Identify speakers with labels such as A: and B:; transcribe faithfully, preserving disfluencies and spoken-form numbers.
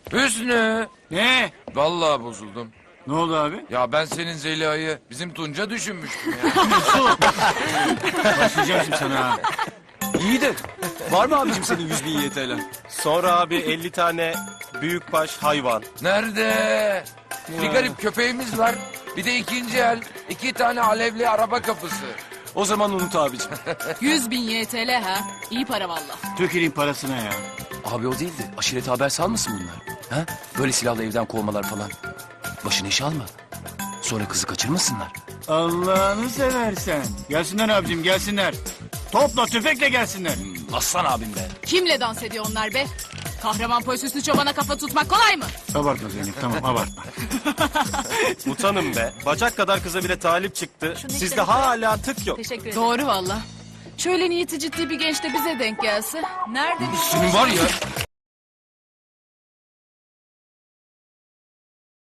A: Hüsnü.
B: Ne?
A: Vallahi bozuldum.
B: Ne oldu abi?
A: Ya ben senin Zeliha'yı bizim Tunca düşünmüştüm ya.
B: Başlayacağım şimdi sana ha.
C: İyi de var mı abicim senin yüz bin Y T L'en?
D: Sonra abi elli tane büyükbaş hayvan.
A: Nerede? Bir garip köpeğimiz var. Bir de ikinci el. iki tane alevli araba kapısı.
C: O zaman unut abicim.
E: Yüz bin Y T L ha. İyi para valla.
B: Tökelin parasına ya.
C: Abi o değil de aşirete haber salmasın bunlar. Ha? Böyle silahla evden kovmalar falan. Başını iş alma. Sonra kızı kaçırmasınlar.
B: Allah'ını seversen. Gelsinler abicim gelsinler. Topla tüfekle gelsinler.
C: Aslan abim be.
E: Kimle dans ediyor onlar be? Kahraman polis üstü çobana kafa tutmak kolay mı?
B: Abartma Zeynep tamam abartma.
D: Utanın be. Bacak kadar kıza bile talip çıktı. Sizde hala tık yok.
E: Teşekkür ederim. Doğru valla. Şöyle niyeti ciddi bir genç de bize denk gelse. Nerede?
A: Senin var ya.